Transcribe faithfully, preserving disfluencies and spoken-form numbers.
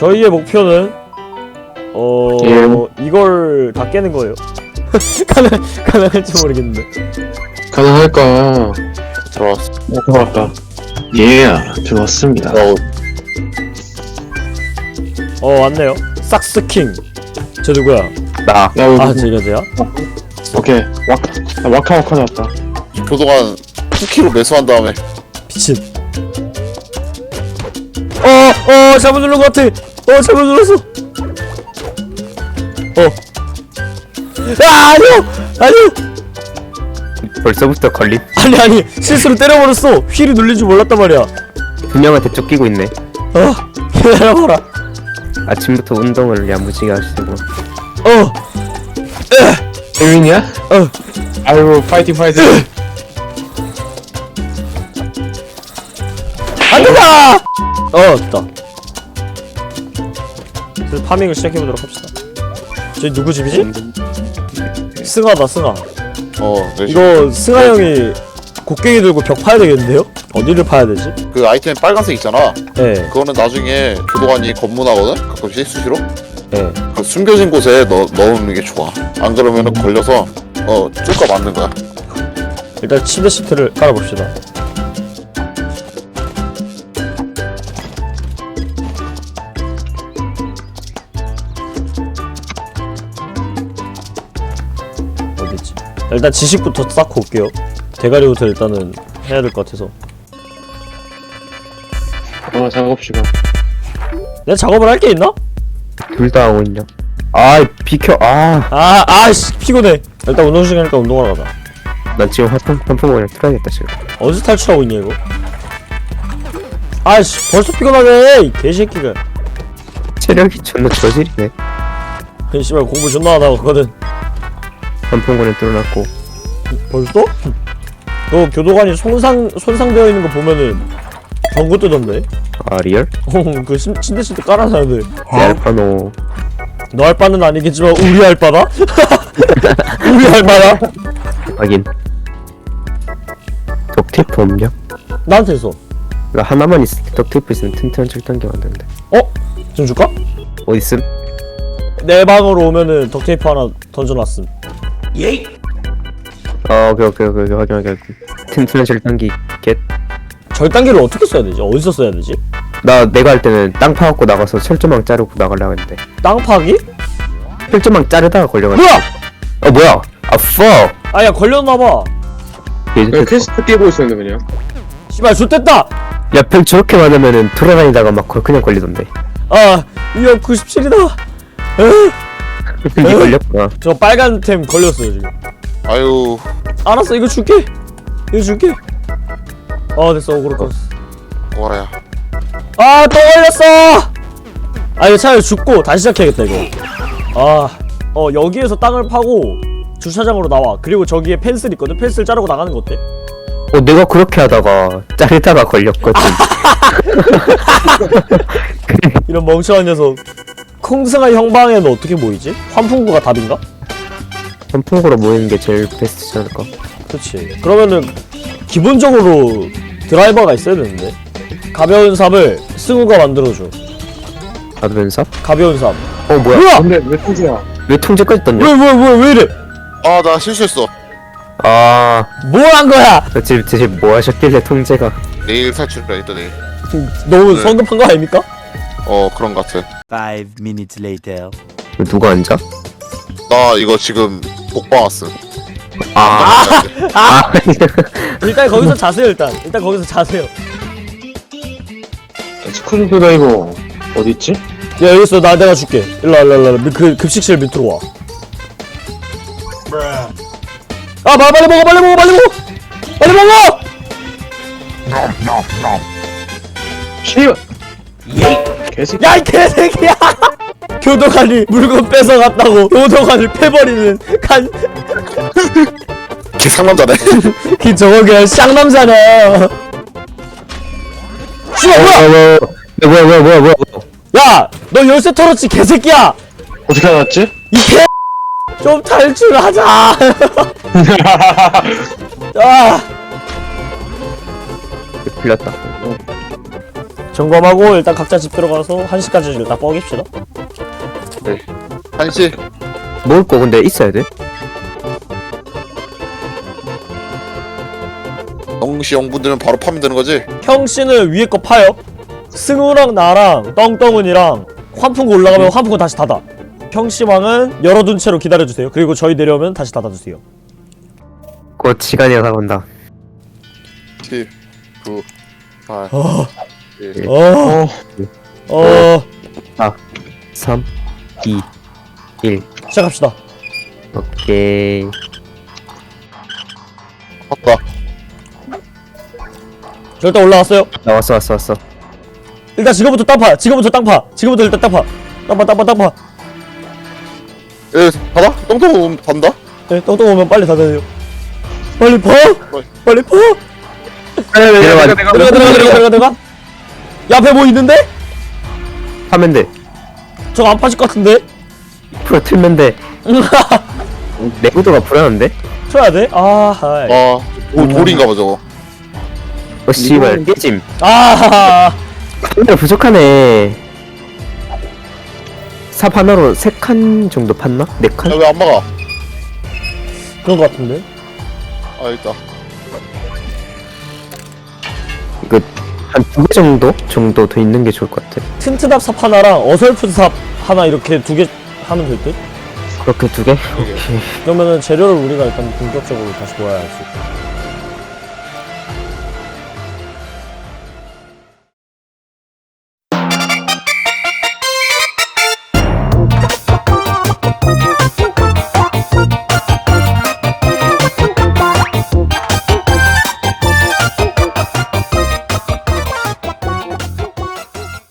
저희의 목표는 어 예. 이걸 다 깨는 거예요. 가능 가능할지 모르겠는데. 가능할까? 들어왔어. 어, 들어왔다. 예, 들어왔습니다. 어, 어 왔네요. 삭스킹. 저 누구야? 나 야, 여기, 아 제가세요? 오케이. 와카, 아, 와카 와카 나왔다. 교도관 쿠키로 매수한 다음에 미친. 어어 잘못 누른 것 같아. 어 잘못 눌렀어. 어. 아 아니요 아니요. 벌써부터 걸린 아니 아니 실수로 때려버렸어. 휠이 눌린 줄 몰랐단 말이야. 두 명한테 쫓기고 있네. 어 기다려봐라. 아침부터 운동을 야무지게 하시고. 어 재민이야? 어. 아이고, 파이팅 파이팅. 안된다. 어 됐다. 그래서 파밍을 시작해보도록 합시다. 저기 누구 집이지? 승아다 승아. 어 네. 이거 승아 형이 곡괭이 들고 벽 파야 되겠는데요? 어디를 파야 되지? 그 아이템 빨간색 있잖아. 예, 그거는 나중에 교도관이 검문하거든. 가끔씩 수시로. 예. 그 숨겨진 곳에 넣 넣는 게 좋아. 안 그러면은 걸려서 어 쫄까 맞는 거야. 일단 침대 시트를 깔아봅시다. 어디지? 일단 지식부터 쌓고 올게요. 대가리부터 일단은 해야 될 것 같아서. 어, 작업 시간. 내가 작업을 할 게 있나? 둘 다 하고 있냐? 아 비켜. 아난 아, 아씨 피곤해. 일단 운동 시간이니까 운동하러 가자. 지금 화통 환풍 그냥 틀어야겠다 지금. 어디서 탈출하고 있냐 이거? 아씨 벌써 피곤하네 이 개새끼가. 체력이 존나 저질이네. 아니 씨발 공부 존나 하다 왔거든. 환풍구는 뚫어놨고. 벌써? 너 교도관이 손상 손상되어 있는 거 보면은 경고 뜨던데? 아 리얼? 어그 침대 시트 깔아놨는데 내 알파노. 너 할 바는 아니겠지만 우리 할 바다? 우리 할 바다? 하긴. 덕테이프 없냐? 나한테 있어. 나 하나만 있을 때 덕테이프 있으면 튼튼한 철단기 만드는데. 어? 좀 줄까? 어딨음? 내 방으로 오면은 덕테이프 하나 던져놨음. 아 오케이 오케이 오케이 오케이 확인 확인. 튼튼한 철단기 겟. 절단기를 어떻게 써야 되지? 어디서 써야 되지? 나 내가 할 때는 땅 파갖고 나가서 철조망 자르고 나가려고 했는데 땅 파기? 철조망 자르다가 걸려가지고. 뭐야? 어 뭐야? 아 fuck. 아야 걸렸나봐. 그냥 퀘스트 깨고 있었는데, 그냥. 씨발 좋댔다. 야, 벽 저렇게 많으면은 돌아다니다가 막 걸- 그냥 걸리던데. 아 위험 구십칠이다. 에이, 니 걸렸구나. 저 빨간 템 걸렸어요 지금. 아유 알았어 이거 줄게. 이거 줄게. 아 됐어 오그로 껐어. 와야. 아 또 걸렸어. 아 이거 차라리 죽고 다시 시작해야겠다 이거. 아어 여기에서 땅을 파고 주차장으로 나와. 그리고 저기에 펜슬 있거든. 펜슬 자르고 나가는 거 어때? 어, 내가 그렇게 하다가 자르다가 걸렸거든. 이런 멍청한 녀석. 콩승아 형방에는 어떻게 모이지? 환풍구가 답인가? 선풍구로 모이는 게 제일 베스트지 않을까? 그렇지. 그러면은 기본적으로 드라이버가 있어야 되는데. 가벼운 삽을 승우가 만들어줘. 가드변 삽? 가벼운 삽. 어, 뭐야? 뭐야? 근데 왜 통지야? 왜 통제까지 떴냐? 왜 왜 왜 왜 이래? 아 나 실수했어. 아, 뭘 한 거야? 대체, 대체 뭐 하셨길래 통제가. 내일 탈출을 했다 내일. 너무 네. 성급한 거 아닙니까? 어 그런 것 같아. Five minutes later. 이거 누가 앉아? 나 이거 지금 복방 왔음. 아, 아, 일단 거기서 자세요 일단. 일단 거기서 자세요. 스크린도다, 이거. 어딨지? 야 여기 있어. 나 내가 줄게. 일로 와 일로 와 일로 와. 그 급식실 밑으로 와. 아 빨리 빨리 먹어 빨리 먹어 빨리 먹어 빨리 먹어. 씨발! 개새끼. 야 이 개새끼야. 교도관이 물건 뺏어갔다고 교도관을 패버리는 간. 개 상남자네. 그 저거 그냥 쌍남자네. 씨발 뭐야? 뭐야, 뭐야, 뭐야, 뭐야, 뭐야. 야 너 열쇠 털었지 개새끼야. 어떻게 알았지? 이 개. 좀 탈출하자. 아. 풀렸다. 점검하고 일단 각자 집 들어가서 한 시까지 일단 뻐깁시다. 한시 먹을 거 근데 있어야 돼? 영시 영분들면 바로 파면 되는 거지? 형씨는 위에 거 파요. 승우랑 나랑 떵떵은이랑 환풍구 올라가면 환풍구 다시 닫아. 형씨방은 열어둔 채로 기다려주세요. 그리고 저희 내려오면 다시 닫아주세요. 곧 시간이 다가온다. 칠, 구, 팔, 어, 일. 어, 어, 삼, 이, 일. 시작합시다. 오케이. 봤다. 저 일단 올라왔어요. 나 왔어 왔어 왔어. 일단 지금부터 땅파. 지금부터 땅파. 지금부터 일단 땅파. 땅파, 땅파, 땅파. 예, 받아? 똥똥 받는다? 네, 떵떵 오면 빨리 닫아요. 빨리 파. 빨리 파. 내려가 들어가, 들어가, 들어가, 들어가, 들어가. 야, 앞에 뭐 있는데? 하면 돼. 저거 안 파질 것 같은데? 풀어 틀면 돼. 내구도가 불안한데? 쳐야 돼? 아, 하이. 아, 오, 돌인가 봐 저거. 어 씨발 깨짐. 아, 카메라 부족하네. 삽 하나로 세 칸 정도 팠나? 네 칸? 야, 왜 안 막아? 그런 것 같은데? 아, 있다. 이거 한 두 개 정도? 정도 더 있는 게 좋을 것 같아. 튼튼합 삽 하나랑 어설픈 삽 하나 이렇게 두 개 하면 될 듯? 그렇게 두 개? 그러면은 재료를 우리가 일단 본격적으로 다시 모아야지.